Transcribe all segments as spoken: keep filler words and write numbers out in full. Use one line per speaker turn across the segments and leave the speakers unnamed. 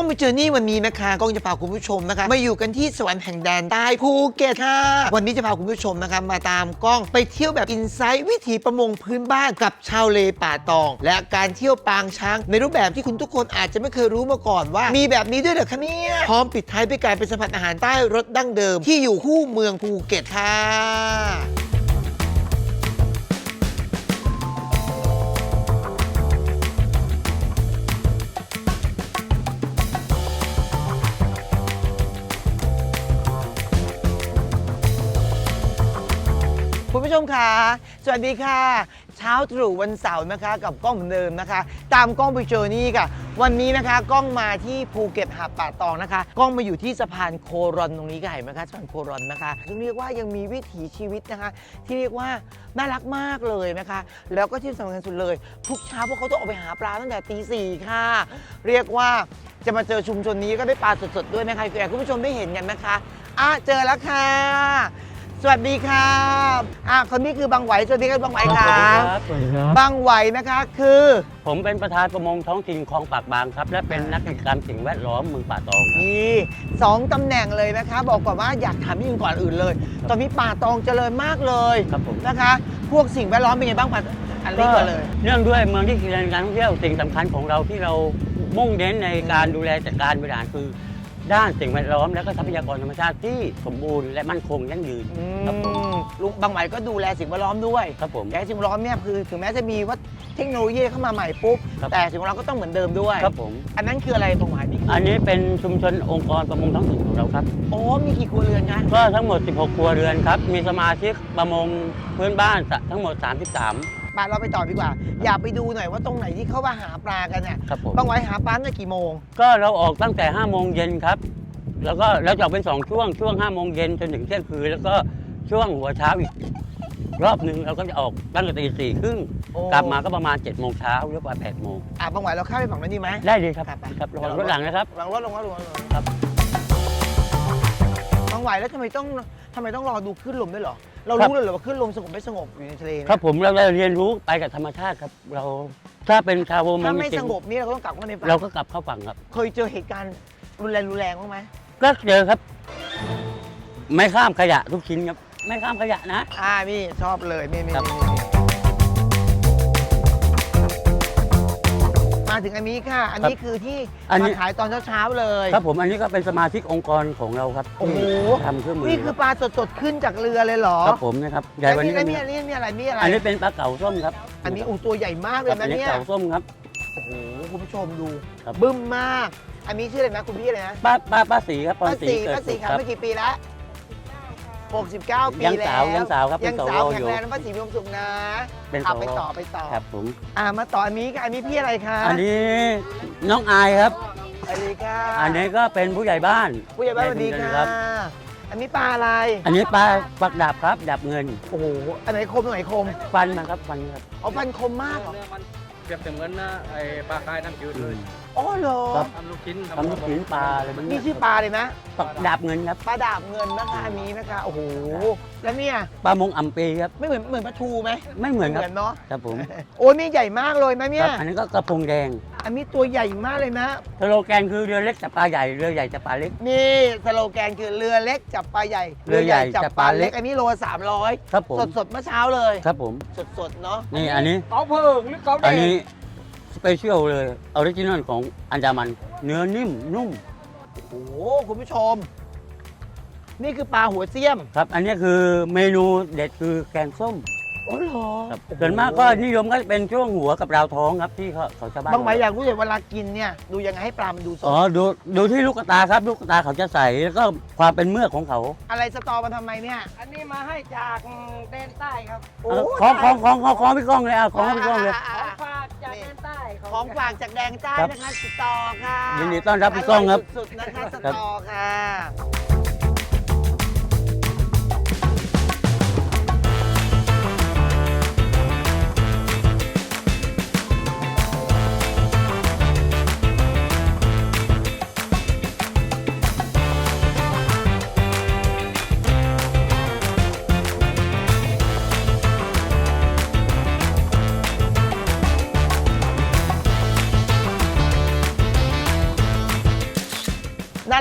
ไปเจอนี่วันนี้นะคะกล้องจะพาคุณผู้ชมนะคะมาอยู่กันที่สวรรค์แห่งแดนใต้ภูเก็ตค่ะวันนี้จะพาคุณผู้ชมนะคะมาตามกล้องไปเที่ยวแบบอินไซต์วิถีประมงพื้นบ้านกับชาวเลป่าตองและการเที่ยวปางช้างในรูปแบบที่คุณทุกคนอาจจะไม่เคยรู้มาก่อนว่ามีแบบนี้ด้วยเหรอคะเนี่ยพร้อมปิดท้ายด้วยการไปสัมผัสอาหารใต้รสดั้งเดิมที่อยู่คู่เมืองภูเก็ตค่ะคุณผู้ชมค่ะสวัสดีค่ะเช้าตรู่วันเสาร์นะคะกับกล้องเหมือนเดิมนะคะตามกล้องไปเจอนี่ค่ะวันนี้นะคะกล้องมาที่ภูเก็ตหาดป่าตองนะคะกล้องมาอยู่ที่สะพานโครอนตรงนี้ค่ะเห็นไหมคะสะพานโครอนนะคะซึ่งเรียกว่ายังมีวิถีชีวิตนะคะที่เรียกว่าน่ารักมากเลยนะคะแล้วก็ที่สำคัญสุดเลยทุกเช้าพวกเขาต้องออกไปหาปลาตั้งแต่ตีสี่ค่ะเรียกว่าจะมาเจอชุมชนนี้ก็ได้ปลาสดๆด้วยนะคะอยากให้คุณผู้ชมได้เห็นกันนะคะอ่ะเจอแล้วค่ะสวัสดีครับอ่ะคนนี้คือบางไหวสวัสดีครับบางไหวครับ
สวัสดีครับ
บางไหวนะคะคือ
ผมเป็นประธานประมงท้องถิ่นคลองปากบางครับและเป็นนักกิจกรรมสิ่งแวดล้อมเมืองป่าตอง
นี่สองตำแหน่งเลยนะคะบอกก่อนว่าอยากถามยิ่งก่อนอื่นเลยตอนนี้ป่าตองเจริญมากเลย
ครับผม
นะคะพวกสิ่งแวดล้อมเป็นไงบ้างป่าอันนี้ก็เลย
เนื่องด้วยเมืองที่เป็นการท่องเที่ยวสิ่งสำคัญของเราที่เรามุ่งเน้นในการดูแลจัดการบริหารคือด้านสิ่งแวดล้อมและก็ทรัพยากรธรรมชาติที่สมบูรณ์และมั่นคงยั่งยืนครับผม
ลุงบางไหวก็ดูแลสิ่งแวดล้อมด้วย
ครับผม
แต่สิ่งแวดล้อมเนี่ยคือถึงแม้จะมีว่าเทคโนโลยีเข้ามาใหม่ปุ๊บแต่สิ่งแวดล้อมก็ต้องเหมือนเดิมด้วย
ครับผม
อันนั้นคืออะไรบางไหวนี่
อันนี้เป็นชุมชนองค์กรประมงท้องถิ่นของเราครับ
โอ้มีกี่ครัวเรือนคะ
ก็ทั้งหมดสิบหกครัวเรือนครับมีสมาชิกประมงพื้นบ้านทั้งหมดสามสิบสาม
ปเราไปต่อดีกว่าอยากไปดูหน่อยว่าตรงไหนที่เขามาหาปลากันเนี่ยบางไหวหาปลาตั้งแต่กี่โมง
ก็เราออกตั้งแต่ห้าโมงเย็นครับแล้วก็แล้วจะออกเป็นสองช่วงช่วงห้าโมงเย็นจนถึงเที่ยงคืนแล้วก็ช่วงหัวเช้าอีกรอบหนึ่งเราก็จะออกตั้งแต่ตีสี่ครึ่งกลับมาก็ประมาณเจ็ดโมงเช้าหรือว่าแปดโมง
อ่ะบางไหวเราเข้าไปฝั่งนั้นดีไหม
ได้ดีครับครับลงรถหลังนะครับ
ลงรถลงรถลงรถครับบางไหวแล้วทำไมต้องทำไมต้องรอดูคลื่นลมด้วยเหรอเรารู้เลยเหรอว่าคลื่นลมสงบไม่สงบอยู่ในทะเล
ครับผมเราเรียนรู้ไปกับธรรมชาติครับเราถ้าเป็นชาวประมง
ถ้าไม่สงบนี่เราก็ต้องกลับเข้าในฝั่ง
เราก็กลับเข้าฝั่งครับ
เคยเจอเหตุการณ์รุนแรงรุนแรงบ้างไหม
ก็เจอครับไม่ข้ามขยะทุกชิ้นครับไม่ข้ามขยะนะ
อ่านี่ชอบเลยนี่นี่มาถึงอันนี้ค่ะอันนี้คือที่มาขายตอนเช้าๆเลย
ครับผมอันนี้ก็เป็นสมาชิกองค์กรของเราครับ
โอ้โห
ทำเครื่องมือ
นี่คือปลาสดๆขึ้นจากเรือเลยเหรอ
ครับผมนะครับ
ใหญ่กว่านี้นี่นี่นี่อะไรนี่อะไร
อันนี้เป็นปลาเก๋าส้มครับ
อันนี้โอ้ตัวใหญ่มากเลยนะเนี่ย
เก๋าส้มครับ
โอ้โหคุณผู้ชมดูบึ้มมากอันนี้ชื่ออะไรนะคุณพี่อะไรนะ
ป้าป้าป้าสีครับ
ป้าสีป้าสีครับเมื่อกี่ปีแล้วหกสิบเก้าปีแล้ว
ยังสาวยังสาวครับ
ยังสาวแข็งแรงนะป้าสีมีความสุขนะขับไปต่อไปต่อ
ครับผม
อ่ามาต่ออันนี้อันนี้พี่อะไรคะ
อันนี้น้องอายครับ
สวัสดีค่ะ
อันนี้ก็เป็นผู้ใหญ่บ้าน
ผู้ใหญ่บ้านสวัสดีค่ะอันนี้ปลาอะไร
อันนี้ปลาปักดาบครับดาบเงิน
โอ้โหอันไหนคมอันไหนคม
ฟันมันครับฟันครับ
เอาฟันคมมากเหรอ
เปรียบเสมือนนะไอ้ปลาคายน้ำจืดเลย
อ๋อเหรอ
ทำลูกชิ้น
ทำลูกชิ้นปลาอะไรมัน
นี่ชื่อปลาเลยนะ
ปักดาบเงินครับ
ปลาดาบเงินนะคะอันนี้นะคะโอ้โหแล้วเนี่ย
ปลามงอ่ำปีครับ
ไม่เหมือนเหมือนปลาทูไหม
ไม่เหมือนครับ
เนาะ
ครับผม
โอ้นี่ใหญ่มากเลยนะเนี่ย
อันนี้ก็กระพงแดง
อันนี้ตัวใหญ่มากเลยนะ
สโลแกนคือเรือเล็กจับปลาใหญ่เรือใหญ่จับปลาเล็ก
นี่สโลแกนคือเรือเล็กจับปลาใหญ่
เรือใหญ่จับปลาเล็ก
อันนี้โลสามร้อย
ครับผม
สดสดเมื่อเช้าเลย
ครับผม
สดสดเนาะ
นี่อันนี้
เก๋าเพิงหรือเก๋าแดง
อันนี้สเปเชียลเลยออริจินอลของอันดามันเนื้อนิ่มนุ่ม
โอ้โหคุณผู้ชมนี่คือปลาหัวเสี้ยม
ครับอันนี้คือเมนูเด็ดคือแกงส้ม
โอ้โห
ส่วนมากก็นิยมก็เป็นช่วงหัวกับราวท้องครับที่เขาเขาจะบ้าน
บางหมายอยากรู้เลยเวลากินเนี่ยดูยังไงให้ปลามันดูสด
อ๋อดูดูที่ลูกตาครับลูกตาเขาจะใสแล้วก็ความเป็นเมือกของเขา
อะไรสตอมาทำไมเนี่ย
อันนี้มาให้จากแดนใต้ครับ
ของของของของของพี่ก้องเลยอ่ะของพี่ก้องเลย
ของฝากจากแดนใต้
ของฝากจากแดนใต้นะคะสตอค่ะ
ยินดีต้อนรับพี่ก้องครับ
สุดๆนะคะสตอค่ะ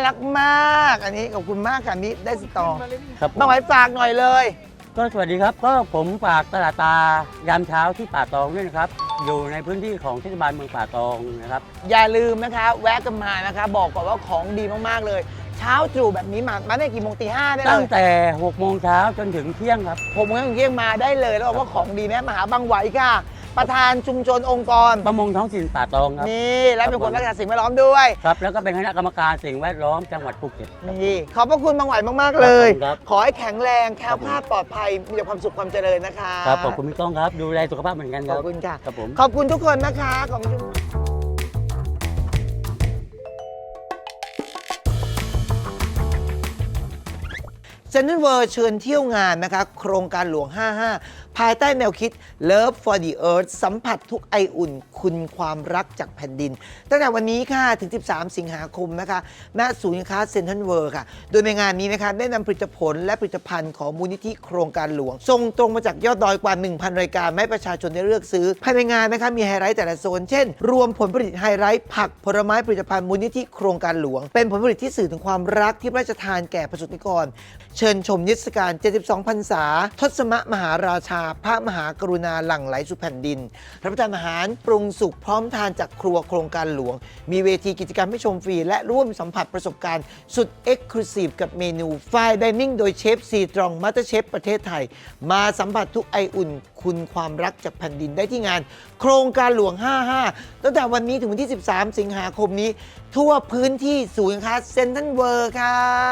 รักมาก อันนี้ขอบคุณมากค่ะนี่ได้สตอ
ครับผม
บางหอยฝากหน่อยเลย
ก็สวัสดีครับ ก็ผมฝากตลาดตายามเช้าที่ป่าตองด้วยนะครับ อยู่ในพื้นที่ของเทศบาลเมืองป่าตองนะครับ
อย่าลืมนะคะ แวะกันมานะคะ บอกก่อนว่าของดีมากๆเลย เช้าตรู่แบบนี้มามาได้กี่โมงตีห้าได้เล
ตั้ง
ย
แต่หกโมงเช้าจนถึงเที่ยงครับ
ผมงั้นเยี่ยงมาได้เลยแล้วบอกว่าของดีแม่มหาบางไหวค่ะ ประธานชุมชนองค์กร
ประมงท้องถิ่นป่าตองครับ
นี่และเป็นคนรักษาสิ่งแวดล้อมด้วย
ครับ แล้วก็เป็นคณะกรรมการสิ่งแวดล้อมจังหวัดภูเก็ต
นี่ขอบพระคุณบางไหวมากๆเลย
ครับ
ขอให้แข็งแรงแคล้ว
ครับผม
คลาดปลอดภัยมีแต่ความสุขความเจริญนะคะ
ครับขอบคุณพี่ก้องครับ ดูแลสุขภาพเหมือนกันค
ข
รั
อ
บบ
คุณค่ะ
ครับผม
ขอบคุณทุกคนนะคะขอบคุณ เซ็นทรัลเวิลด์เชิญเที่ยวงานนะคะ โครงการหลวง ห้าห้า ภายใต้แนวคิด Love for the Earth สัมผัสทุกไออุ่น คุณความรักจากแผ่นดิน ตั้งแต่วันนี้ค่ะ ถึง สิบสาม สิงหาคมนะคะ ณ ศูนย์การค้าเซ็นทรัลเวิลด์ค่ะ โดยในงานนี้นะคะ ได้นำผลิตผลและผลิตภัณฑ์ของมูลนิธิโครงการหลวง ส่งตรงมาจากยอดดอยกว่า หนึ่งพัน รายการให้ประชาชนได้เลือกซื้อ ภายในงานนะคะมีไฮไลท์แต่ละโซน เช่น รวมผลผลิตไฮไลท์ผักผลไม้ผลิตภัณฑ์มูลนิธิโครงการหลวง เป็นผลผลิตที่สื่อถึงความรักที่พระราชทานแก่ประสบนิกร เชิญชมนิทรรศการ เจ็ดสิบสอง พรรษา ทศมมหาราชา พระมหากรุณาหลั่งไหลสู่แผ่นดิน รับประทานอาหารปรุงสุกพร้อมทานจากครัวโครงการหลวง มีเวทีกิจกรรมให้ชมฟรี และร่วมสัมผัสประสบการณ์สุดเอ็กซ์คลูซีฟกับเมนูไฟน์ไดนิ่งโดยเชฟซีตรองมาสเตอร์เชฟประเทศไทย มาสัมผัสทุกไออุ่น คุณความรักจากแผ่นดินได้ที่งาน โครงการหลวง ห้าห้า ตั้งแต่วันนี้ถึงวันที่ สิบสาม สิงหาคมนี้ ทั่วพื้นที่ศูนย์การค้าเซ็นทรัลเวิลด์ค่ะ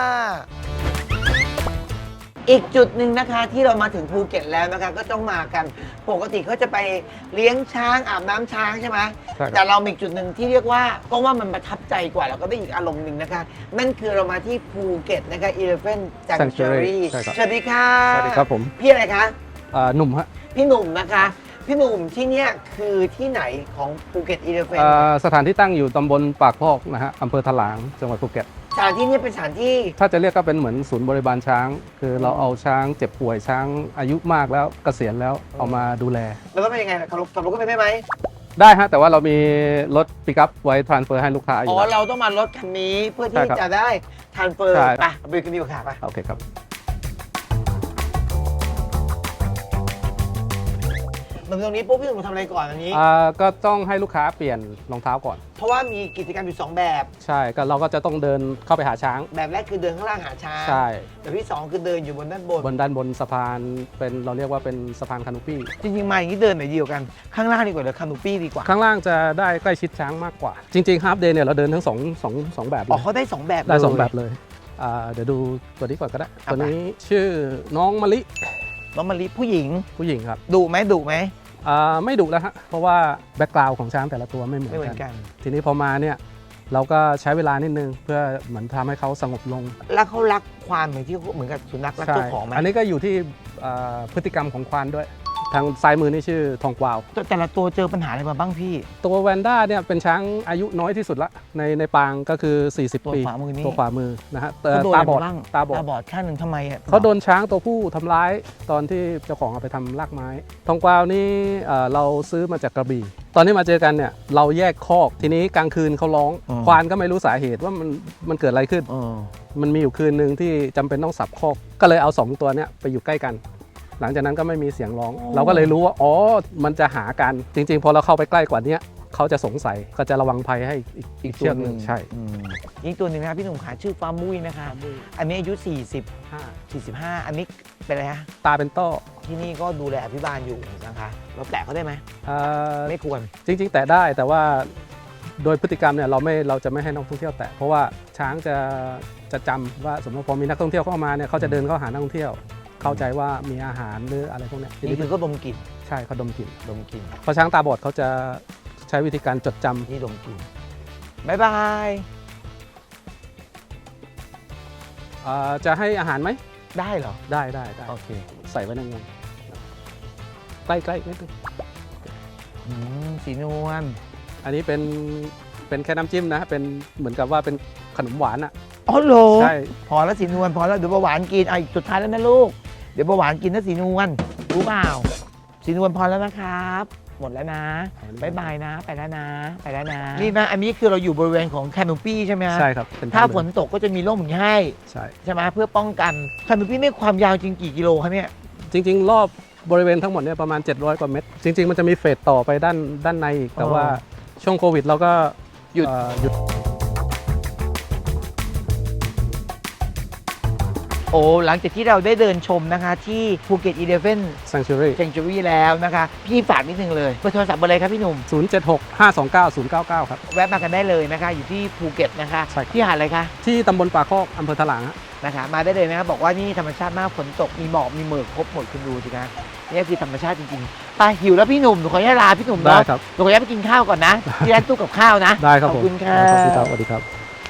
อีกจุดหนึ่งนะคะที่เรามาถึงภูเก็ตแล้วนะคะก็ต้องมากันปกติเขาจะไปเลี้ยงช้างอาบน้ำช้างใช่ไหม
ใช่ครับ
แต่เรามีอีกจุดหนึ่งที่เรียกว่าก็ว่ามันประทับใจกว่าแล้วก็ได้อีกอารมณ์หนึ่งนะคะ นั่นคือเรามาที่ภูเก็ตนะคะ Elephant Sanctuary
ใช่ครับ
สวัสดีค่ะ
สวัสดีครับผม
พี่อะไรคะ
อ่าหนุ่มฮะ
พี่หนุ่มนะคะ พี่หนุ่มที่เนี่ยคือที่ไหนของภูเก็ต Elephant
อ่าสถานที่ตั้งอยู่ตำบลปากพอกนะฮะอำเภอถลางจังหวัดภูเก็ต
สถานที่นี้เป็นสถานที่
ถ้าจะเรียกก็เป็นเหมือนศูนย์บริบาลช้าง คือเราเอาช้างเจ็บป่วยช้างอายุมากแล้วเกษียณแล้วเอามาดูแล
แล้วก็เป็นยังไงขับรถขับรถก็ไปได้ไหม
ได้ฮะแต่ว่าเรามีรถปิกอัพไว้ทรานสเฟอร์ให้ลูกค้าอ
อ๋
ยู่
อ
แล้ว
เราต้องมารถคันนี้เพื่อ
ใช่
ที่
ครับ
จะได้ทานเฟอร์
ใช่
ไปไปกันดีกว่าค่ะไป
โอเคครับ
มาตรงนี้ปุ๊บพี่หนุ่มทำอะไรก่อนอันนี้
อ่าก็ต้องให้ลูกค้าเปลี่ยนรองเท้าก่อน
เพราะว่ามีกิจกรรมอยู่สองแบบ
ใช่ก็เราก็จะต้องเดินเข้าไปหาช้าง
แบบแรกคือเดินข้างล่างหาช้าง
ใช่
แบบที่สองคือเดินอยู่บนด้านบน
บนด้านบนสะพานเป็นเราเรียกว่าเป็นสะพานคานูปี้
จริงๆมาอย่างนี้เดินไหนเดียวกัน ข้างล่างดีกว่าหรือคานูปี้ดีกว่า
ข้างล่างจะได้ใกล้ชิดช้างมากกว่า จริงๆฮาล์ฟเดย์เนี่ยเราเดินทั้งสองสองสองแบบเล
อ๋อย เขาได้สองแบบ
ได้สอง
เลย
แบบเลยอ่าเดี๋ยวดูตัวนี้ก่อนก็ได้
เอา
ตัว
ไป
นี้ชื่อน้องมะลิ
น้องมะลิผู้หญิง
ผู้หญิงครับ
ดุไหมดุไหม
อ่าไม่ดุแล้วฮะเพราะว่าแบ็กกราวด์ของช้างแต่ละตัวไม่เหมือ
ไม่เหมื
น
อน
กัน
กัน
ทีนี้พอมาเนี่ยเราก็ใช้เวลานิดนึงเพื่อเหมือนทำให้เขาสงบลง
แล้วเขารักความเหมือนที่เหมือนกับสุนัขรัก
ใช่
เจ้าของไหม
อันนี้ก็อยู่ที่อ่าพฤติกรรมของควานด้วย ทางซ้ายมือนี่ชื่อทองกวาว
แต่แต่ละตัวเจอปัญหาอะไรมาบ้างพี่
ตัวแวนด้าเนี่ยเป็นช้างอายุน้อยที่สุดละในในปางก็คือ สี่สิบ
ตัว
ปี
ขวามือนี่
ตัวขวามือนะฮะแต่
เขาโดน
ตา
อะไร
บอด
มาบ้าง
ตาบอด
ตาบอดข้างหนึ่งทำไมอ่ะ
เขาโดนช้างตัวผู้ทำร้ายตอนที่เจ้าของเอาไปทำลากไม้ ทองกวาวนี่เอ่อเราซื้อมาจากกระบี่ ตอนที่มาเจอกันเนี่ยเราแยกคอก ทีนี้กลางคืนเขาร้อง ควานก็ไม่รู้สาเหตุว่ามันมันเกิดอะไรขึ้น
เออ
มันมีอยู่คืนหนึ่งที่จำเป็นต้องสับคอก ก็เลยเอาสองตัวเนี้ยไปอยู่ใกล้กัน หลังจากนั้นก็ไม่มีเสียงร้อง เราก็เลยรู้ว่า อ๋อ มันจะหากัน จริงๆ พอเราเข้าไปใกล้กว่านี้เขาจะสงสัย ก็จะระวังภัยให้อีกอีกเชือกหนึ่งใช่
อืมอีกตัวหนึ่งนะครับพี่หนุ่มขาชื่อฟามุ้ยนะคะ อันนี้อายุ สี่สิบ
ห้า
สี่สิบห้า อันนี้เป็นอะไรฮะ
ตาเป็นต้อ
ที่นี่ก็ดูแลอภิบาลอยู่นะคะเราแตะเขาได้ไหม
เอ่อ
ไม่ควร
จริง ๆ แตะได้แต่ว่าโดยพฤติกรรมเนี่ยเราไม่เราจะไม่ให้นักท่องเที่ยวแตะเพราะว่าช้างจะจะจำว่าสมมติพอมีนักท่องเที่ยวเข้ามาเนี่ยเขาจะเดินเข้าหานักท่องเที่ยว เข้าใจว่ามีอาหารหรืออะไรพวกเนี้ยที
นี่
นี้
คือก็ดมกลิ่น
ใช่เขาดมกลิ่น
ดมกลิ่น
เพราะช้างตาบอดเขาจะใช้วิธีการจดจำ
นี่ดมกลิ่นบายบาย
เอ่อจะให้อาหารไหม
ได้เหรอ
ได้ได้ได้
โอเค
ใส่ไว้ในงวงใกล้ใกล้นิดนึง
อืมสีนวล
อันนี้เป็นเป็นแค่น้ำจิ้มนะเป็นเหมือนกับว่าเป็นขนมหวานอ่ะ
อ๋อเหรอ
ใช่
พอแล้วสีนวลพอแล้วเดี๋ยวเบาหวานกินอ่ะอีกสุดท้ายแล้วนะลูก เดี๋ยวเบาหวานกินนะสีนวลรู้เปล่าสีนวลพอแล้วนะครับหมดแล้วนะ
อ๋อ
บายบายนะ ไปแล้วนะ ไปแล้วนะ นี่นะ อันนี้คือเราอยู่บริเวณของแคนูปี้ใช่ไหมฮะ
ใช่ครับเป็น
ถ้า
ถ้ำ
ฝนตกก็จะมีร่มอย่างนี้ให้
ใช่
ใช่ไหมเพื่อป้องกันแคนูปี้ไม่ความยาวจริงกี่กิโลคะเนี่ย
จริงๆ รอบบริเวณทั้งหมดเนี่ยประมาณ เจ็ดร้อย กว่าเมตร จริง ๆ มันจะมีเฟสต่อไปด้านด้านในอีก แต่
อ๋อ
ว่าช่วงโควิดเราก็
หยุด
เอ่อหยุด
โอ้หลังจากที่เราได้เดินชมนะคะที่ภูเก็ตอีเลฟเว่น
Sanctuary
เซนจูรี่แล้วนะคะ พี่ฝากนิดนึงเลยเบอร์โทรศัพท์เบอร์อะไรครับพี่หนุ่ม
ศูนย์ เจ็ด หก ห้า สอง เก้า ศูนย์ เก้า เก้า ครับ
แวะมากันได้เลยนะคะ อยู่ที่ภูเก็ตนะคะ
ใช่ครับ
ที่หาดอะไรคะ
ที่ตำบลป่าคอกอำเภอถลางฮะ
นะคะ มาได้เลยนะครับบอกว่านี่ธรรมชาติมากฝนตกมีหมอกมีหมอกครบหมดคุณดูสิคะนี่คือธรรมชาติจริงๆไปหิวแล้วพี่หนุ่มหนูขออนุญาตลาพี่หนุ่ม
ได้
เนาะ
ครับ
หนูขออนุญาตไปกินข้าวก่อนนะที่ร้านตู้กับข้าวนะ
ได้ครับ
ข
ผ
อบ
ม
คุณค่ะ
ขอบคุณครับสวัสดีครับ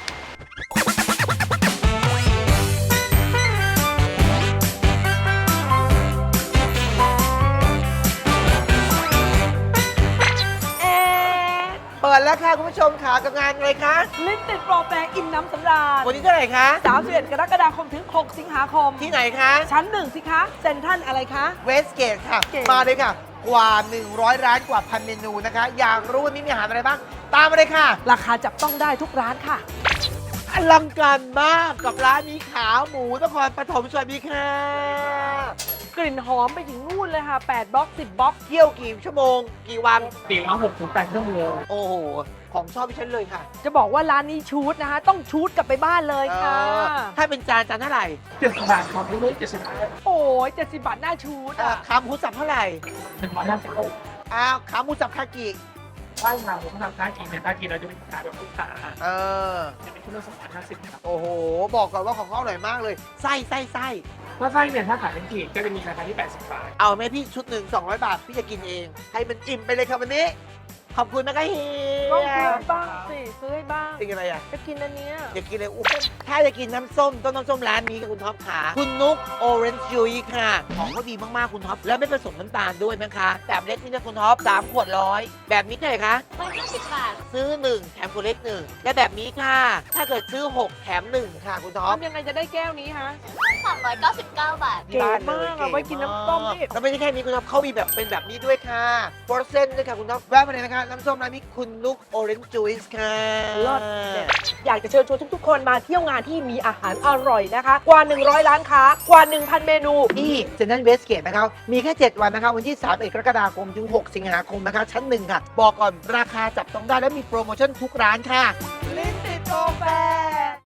เปิดแล้วค่ะคุณผู้ชมค่ะกับงานอะไรคะ
ลิ้นติดโปรแปรอิ่มน้ำสำราญ
วันนี้เท่าไหร่คะ
สามสิบเอ็ดกรกฎาคมถึง หก สิงหาคม
ที่ไหนคะ
ชั้นหนึ่งสิคะ เซ็นทรัลอะไรคะ
เวสเกตค่ะ
เก่ง
มาเลยค่ะ กว่า หนึ่งร้อย ร้านกว่าพันเมนูนะคะ อยากรู้วันนี้มีอาหารอะไรบ้าง ตามมาเลยค่ะ
ราคาจับต้องได้ทุกร้านค่ะ
อลังการมากกับร้านนี้ขาหมูนครปฐมสวัสดีค่ะ
กลิ่นหอมไปถึงนู่นเลยค่ะ แปดบล็อก สิบ บล็อก
เที่ยวกี่ชั่วโมง กี่วัน
สี่ร้อยหกสิบแปดชั่วโมง
โอ้โห ของชอบพี่ฉันเลยค่ะ
จะบอกว่าร้านนี้ชูดนะคะ ต้องชูดกลับไปบ้านเลยค่ะ
เออถ้าเป็นจานจานเท่าไหร่
เจ็ดสิบบาทครับนี่เจ็ดสิบบาท
โอ้ยเจ็ดสิบบาทหน้าชูด
เอ่อ
อ่ะ
ขาหมูสับเท่าไหร่
หนึ่งร้อยห้าสิบ
อ้าวขาหมูสับคากิ
บ้านเราผมทำค้ากินเนี่ยค้ากินเราจะเป็นขายแบบลูกค้า
เออ
จะเป็นชุดละสองร้อยห้าสิบครับ
โอ้โห บอกก่อนว่าของเขาอร่อยมากเลย ไส้ไส้ไส้
ถ้าไส้เนี่ยถ้าขายเป็นขีดก็จะมีราคาที่แปดสิบบาท
เอาไหมพี่ชุดหนึ่งสองร้อยบาท พี่จะกินเอง ให้มันอิ่มไปเลยครับวันนี้ ขอบคุณนะคะเฮี
ต้อง
ย
ซื้อบ้างสิซื้อให้บ้าง
กินอะไรอ่ะ
จะกินอันเนี้ย
อยากกินเลยอู้ถ้าจะกินน้ำส้มต้องน้ำส้มร้านนี้กับคุณท็อปขาคุณนุกโอเรนจ์จูยค่ะ ของเขาดีมาก ๆ คุณท็อป แล้วไม่ผสมน้ำตาลด้วยนะคะ แบบเล็กนี่นะคุณท็อปสามขวดร้อยแบบนี้เท่าไหร่คะ
ร้อยห้าสิบบาท
ซื้อหนึ่งแถมขวดเล็กหนึ่งและแบบนี้ค่ะ ถ้าเกิดซื้อหกแถมหนึ่งค่ะคุณท็อป
ทำยังไงจะได้แก้วนี้ฮะ
สามร้อยเก้าสิบเก้าบาท
เก๋มากอะไว้กินน้ำส้มนี่
แล้วไม่ใช่แค่นี้คุณท็อปเขามีแบบเป็นแบบนี้ด้วยค่ะโปรเซนต์ด้วยค่ะคุณท็อปแวะมาเลยนะคะน้ำส้มร้านนี้คุณนุกโอเรนจ์จูยค่ะ
เลิศเด็ด อยากจะเชิญชวนทุกๆ คนมาเที่ยวงานที่มีอาหารอร่อยนะคะ กว่า หนึ่งร้อย ร้านค้ากว่า หนึ่งพัน เมนู
ที่เซ็นทรัลเวสเกตนะครับมีแค่ เจ็ด วันนะคะวันที่สามสิบเอ็ดกรกฎาคมถึงหกสิงหาคมนะคะชั้นหนึ่งค่ะ บอกก่อนราคาจับต้องได้และมีโปรโมชั่นทุกร้านค่ะ
ลิ้นติดโปรแฟร์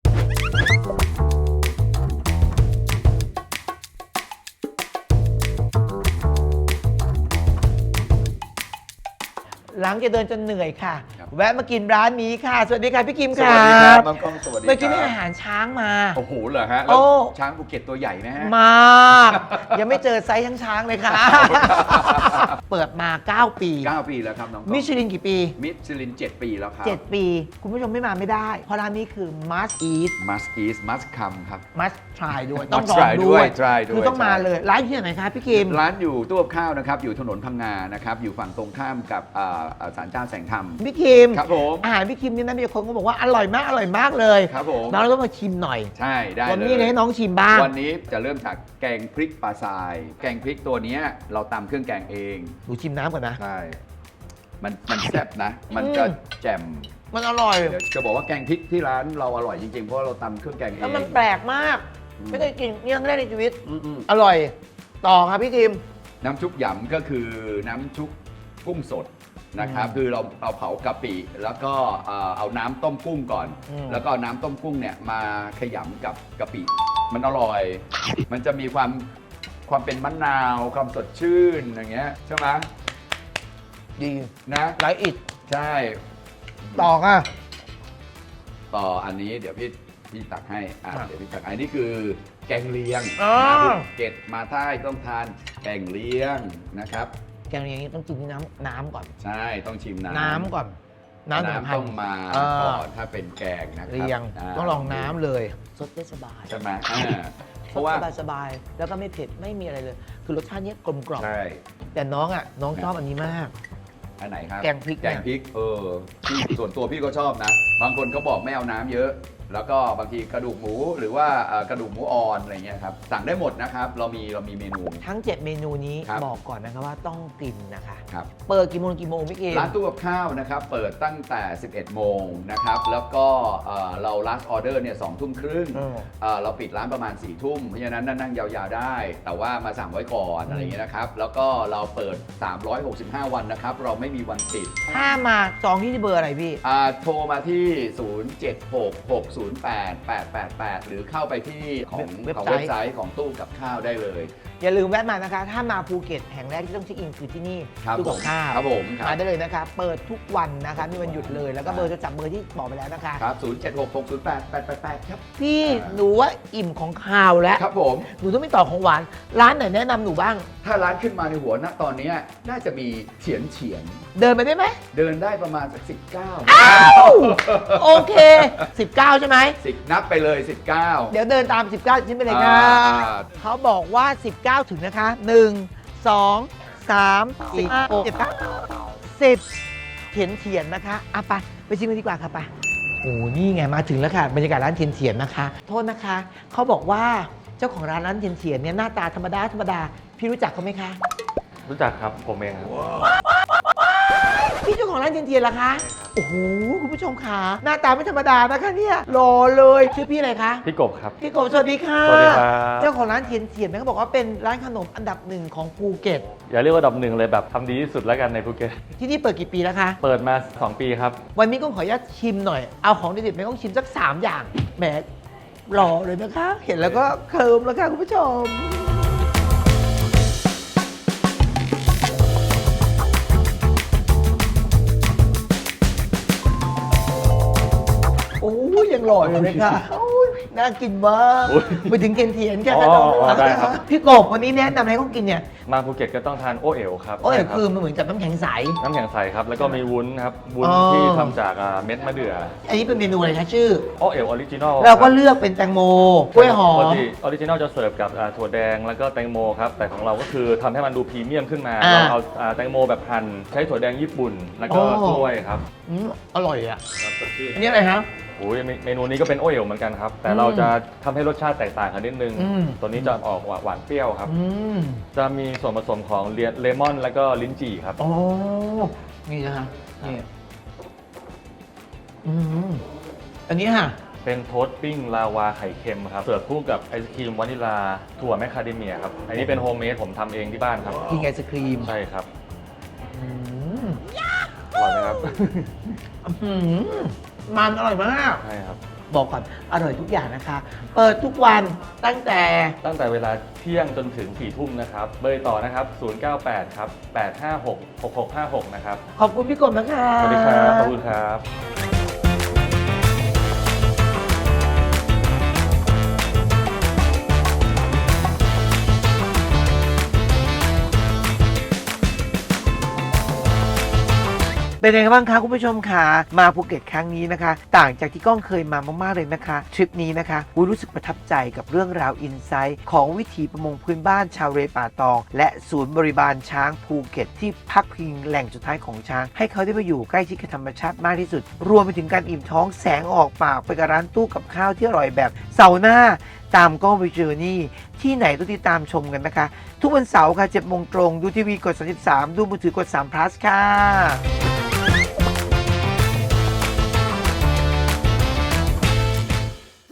หลังจากเดินจนเหนื่อยค่ะ แวะมากินร้านนี้ค่ะ สวัสดีค่ะพี่กิม
ส
ค่ะ
วัสดีครับน้องกล้องสวัสดี
เมื่อกี้
ค
นี่
รับ
อาหารช้างมา
โอ้โหเหรอฮะ
โอ้
แล้วช้างภูเก็ตตัวใหญ่ไหมฮะ
มาก ยังไม่เจอไซส์ช้างๆเลยค่ะ เปิดมา เก้า ปี
เก้าปีแล้วครับน้องกล้อง
มิชลินกี่ปี
มิชลินเจ็ดปีแล้วครับ
เจ็ด ปี คุณผู้ชมไม่มาไม่ได้ เพราะร้านนี้คือ must eat
must eat must come ครับ
must try ด้วย ต้อง
Must
ลอง
try
ด้วย
ด้วย try ด้วย
คือต้องมา
ใช่
เลย ร้านอยู่ที่ไหนคะพี่กิม
ร้านอยู่ตู้กับข้าวนะครับ อยู่ถนนพังงานะครับ อยู่ฝั่งตรงข้ามกับอ่าอ่าศาลเจ้าแสงธรรม
พี่กิม
ครับผม
อาหารพี่คิมเนี่ยนะมีคนก็บอกว่าอร่อยมากอร่อยมากเลย
ครับผม
น้องเราต้องมาชิมหน่อย
ใช่ได้
วัน
เลย
นี้เลยให้น้องชิมบ้าง
วันนี้จะเริ่มจากแกงพริกปลาทราย แกงพริกตัวเนี้ยเราตำเครื่องแกงเอง
หนูชิมน้ำก่อนนะ
ใช่ มันมันแซ่บนะ มันจะ
อืม
แจ่ม
มันอร่อย
เดี๋ยวจะบอกว่าแกงพริกที่ร้านเราอร่อยจริงๆ เพราะว่าเราตำเครื่องแกงเอง
แล้วมันแปลกมาก
อืม
ไม่เคยกินนี่ครั้งแรกในชีวิต
อืม
อร่อย ต่อครับพี่คิม
ๆน้ำชุบหยำก็คือน้ำชุบกุ้งสดนะครับ
อืม
คือเราเอาเผากะปิ แล้วก็เอ่อเอาน้ำต้มกุ้งก่อน
อืม
แล้วก็เอาน้ำต้มกุ้งเนี่ยมาขยำกับกะปิ มันอร่อย มันจะมีความความเป็นมะนาวความสดชื่นอย่างเงี้ยใช่ไหม
ดี
นะ
ไลท์อิด
ใช่
ต่อค่ะ
ต่ออันนี้เดี๋ยวพี่พี่ตักให้อ่ะ
ครับ
เดี๋ยวพี่ตักให้อันนี้คือแกงเลียง
อ๋อ
มาภูเก็ตมาใต้ต้องทานแกงเลียงนะครับ
แกงอย่างนี้ต้องกินที่น้ำน้ำก่อน
ใช่ต้องชิมน้ำ
น้ำก่อน น้ำหนึ่งพัน
ต้องมา
เออ
ก่อนถ้าเป็นแกงนะครับ
เรียง
า
ต้องลองน้ำเลยสดได้สบาย
ใช่ไหมอ่าเพ
ส
ราะ
ด
ว่า
สบายสบายแล้วก็ไม่เผ็ดไม่มีอะไรเลย คือรสชาติเนี้ยกลมกล่อม
ใช่
แต่น้องอ่ะน้องชอบอันนี้มาก
อันไหนครับ
แกงพริกเนี่ย
แกงพริกเออพี่ส่วนตัวพี่ก็ชอบนะ บางคนเขาบอกไม่เอาน้ำเยอะแล้วก็บางทีกระดูกหมูหรือว่าเอ่อกระดูกหมูอ่อนอะไรเงี้ยครับสั่งได้หมดนะครับเรามีเรามีเมนู
ทั้ง เจ็ด เมนูนี้
ครับ
บอกก่อนนะคะว่าต้องกินนะคะ
ครับ
เปิดกี่โมงกี่โมงพี่เกม
ร้านตู้กับข้าวนะครับเปิดตั้งแต่ สิบเอ็ด โมงนะครับแล้วก็เอ่อเรา last order เนี่ยสองทุ่มครึ่ง
อืม
เอ่อเราปิดร้านประมาณ4ี่ทุ่มเพราะฉะนั้นนั่งยาวๆได้ แต่ว่ามาสั่งไว้ก่อนอะไรอย่างเงี้ยนะครับแล้วก็เราเปิด สามร้อยหกสิบห้า วันนะครับเราไม่มีวันปิด
ถ้ามาจองที่เบอร์อะไรพี่
อ่าโทรมาที่ ศูนย์ เจ็ด หก หก ศูนย์ แปด แปด แปด แปด หรือเข้าไปที่ของ
เว็บ
ของ
ไซต์
เว็บไซต์ของตู้กับข้าวได้เลย
อย่าลืมแวะมานะคะ ถ้ามาภูเก็ตแห่งแรกที่ต้องเช็คอินคือที่นี่
ครับ
ตู้กับข้าว
ครับผมครับ
มาได้เลยนะคะ เปิดทุกวันนะคะมีวันหยุดเลย แล้วก็เบอร์จะจับเบอร์ที่บอกไปแล้วนะคะ
ครับ ศูนย์ เจ็ด หก หก ศูนย์ แปด แปด แปด แปด ครับ
พี่หนูว่าอิ่มของข้าวแล้ว
ครับผม
หนูต้องไม่ต่อของหวาน ร้านไหนแนะนำหนูบ้าง
ถ้าร้านขึ้นมาในหัวณตอนเนี้ยน่าจะมีเฉียนเฉียน
เดินไปได้ไหม
เดินได้ประมาณสักสิบเก้า
อ้าว โอเค สิบเก้า ใช่ไหม
สิบนับไปเลยสิบเก้า
เดี๋ยวเดินตาม สิบเก้าชิ้นไปเลยค่ะ
อ่า
เขาบอกว่า สิบเก้า ถึงนะคะ หนึ่ง สอง สาม สี่ หก เจ็ด เก้า สิบเถียนเถียนนะคะอ่ะไปไปชิมกันดีกว่าค่ะไปโอ้นี่ไงมาถึงแล้วค่ะบรรยากาศร้านเทียนเถียนนะคะ โทษนะคะ เขาบอกว่าเจ้าของร้านร้านเทียนเถียนเนี่ยหน้าตาธรรมดาธรรมดา พี่รู้จักเขาไหมคะ
รู้จักครับผมเองครับ
พี่เจ้าของร้านเทียนเทียนล่ะคะ โอ้โหคุณผู้ชมค่ะหน้าตาไม่ธรรมดานะคะเนี่ยหล่อเลยชื่อพี่อะไรคะ
พี่กบครับ
พี่กบสวัสดีค่ะ
สวัสดีครับ
เจ้าของร้านเทียนเทียนเนี่ยเขาบอกว่าเป็นร้านขนมอันดับหนึ่งของภูเก็ต
อย่าเรียกว่าอันดับหนึ่งเลยแบบทำดีที่สุดแล้วกันในภูเก็ต
ที่นี่เปิดกี่ปีแล้วคะ
เปิดมาสองปีครับ
วันนี้ก็ขออนุญาตชิมหน่อย เอาของเด็ดๆไปต้องชิมสักสามอย่างแหมหล่อเลยนะคะ เห็นแล้วก็เคิร์มแล้วค่ะคุณผู้ชม โอ้ยยังหล่ออยู่เลยค่ะโอ้ยน่ากินมาก
โอ้ย
ไปถึงเทียนเทียนๆแค่
อ๋อ
ขนม
อ๋อได้ครับ
พี่กบวันนี้แนะนำอะไรให้เขากินเนี่ย
มาภูเก็ตก็ต้องทานโอเอ๋วครับ
โอ้ย
ใช่รับ
คือมันเหมือนกับน้ำแข็งใส
น้ำแข็งใสครับ แล้วก็มีวุ้นครับ วุ้น
อ๋อ
ที่ทำจากอ่าเม็ดมะเดื่อ
อันนี้เป็นเมนูอะไรคะชื่อ
โอเอ๋วออริจินอล
เราก็เลือกเป็นแตงโมกล้วยหอ
ปก
ม
ติออริจินอลจะเสิร์ฟกับอ่าถั่วแดงแล้วก็แตงโมครับ แต่ของเราก็คือทำให้มันดูพรีเมียมขึ้นมา
อ่า
เราเอาอ่าแตงโมแบบหั่นใช้ถั่วแดงญี่ปุ่น แล้วก็
อ๋อ
กล้วยครับ
อืมอร่อยอ่ะ
ครับสดชื่น
อันนี้อะไรครับ
โอ้ยเมเมนูนี้ก็เป็นโอเอ๋วเหมือนกันครับ แต่
อืม
เราจะทำให้รสชาติแตกต่างกันนิดนึง
อืม
ตัวนี้จะออกหวานเปรี้ยวครับ
อืม
จะมีส่วนผสมของเลเลมอนแล้วก็ลิ้นจี่ครับ
อ๋อ นี่นะคะนี่อืมอันนี้ค่ะ
เป็นโทสต์ปิ้งลาวาไข่เค็มครับ เสิร์ฟคู่กับไอศครีมวานิลาถั่วแมคคาเดเมียครับ อันนี้เป็นโฮมเมดผมทำเองที่บ้านครับ
กินไอศครีม
ใช่ครับ
อืม
อร่อยไหมครับ
อืมมันอร่อยมาก
ใช่ครับ
บอกก่อน อร่อยทุกอย่างนะคะ เปิดทุกวันตั้งแต่
ตั้งแต่เวลาเที่ยงจนถึงสี่ทุ่มนะครับ เบอร์ต่อนะครับ ศูนย์ เก้า แปด ครับ แปด ห้า หก หก หก ห้า หก นะครับ
ขอบคุณพี่กบนะคะ
สวัสดีครับ ขอบคุณครับ
เป็นยังไงบ้างคะคุณผู้ชมคะมาภูเก็ตครั้งนี้นะคะ ต่างจากที่ก้องเคยมามากๆเลยนะคะทริปนี้นะคะอุ๊ยรู้สึกประทับใจกับเรื่องราวอินไซต์ของวิถีประมงพื้นบ้านชาวเรป่าตอง และศูนย์บริบาลช้างภูเก็ตที่พักพิงแหล่งสุดท้ายของช้าง ให้เขาได้ไปอยู่ใกล้ชิดกับธรรมชาติมากที่สุด รวมไปถึงการอิ่มท้องแสงออกปากไปกับร้านตู้กับข้าวที่อร่อยแบบเสาร์หน้าตามกล้องไปเจอนี่ที่ไหนต้องติดตามชมกันนะคะ ทุกวันเสาร์ค่ะเจ็ดโมงตรงดูทีวีกดสามสิบสามดูมือถือกดสาม plus ค่ะ